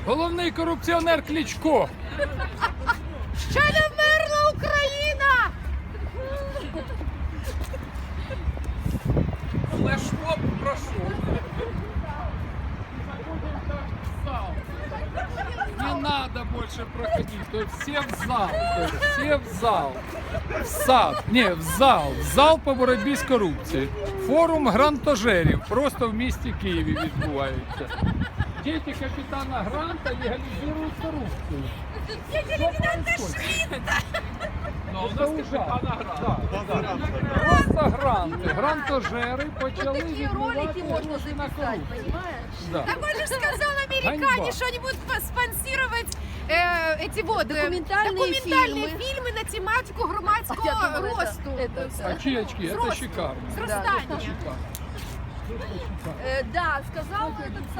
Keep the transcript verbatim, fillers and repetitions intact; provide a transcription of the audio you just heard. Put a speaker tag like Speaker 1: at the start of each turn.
Speaker 1: Головний корупціонер Кличко.
Speaker 2: Ще не вмерла Україна!
Speaker 1: Флешмоб прошел. Не надо больше проходить, то есть все в зал, то есть все в зал, в сад, не, в зал, в зал по боротьбі з корупцією. Форум грантожерів просто в місті Києві відбувається. Діти капітана Гранта легалізують корупцію.
Speaker 2: Діти лейтенанта Шмідта!
Speaker 1: Ну, це ужасно. Да. Просто гранти, грантожери почали
Speaker 2: Такие ролики
Speaker 1: відбувати
Speaker 2: можно
Speaker 1: гроші на
Speaker 2: записать,
Speaker 1: корупцію.
Speaker 2: понимаешь?
Speaker 1: Да.
Speaker 2: Так он же сказал американе,
Speaker 1: Ганьба.
Speaker 2: что они будут спонсировать э, эти вот э,
Speaker 3: Документальные
Speaker 2: документальные
Speaker 3: фильмы.
Speaker 2: фильмы на тематику громадского
Speaker 3: Я думала, это-
Speaker 2: росту.
Speaker 3: это-
Speaker 1: А чечки, это
Speaker 2: Взрослых.
Speaker 1: шикарно.
Speaker 2: Взрастания.
Speaker 1: Это шикарно.
Speaker 3: Э, да, сказал этот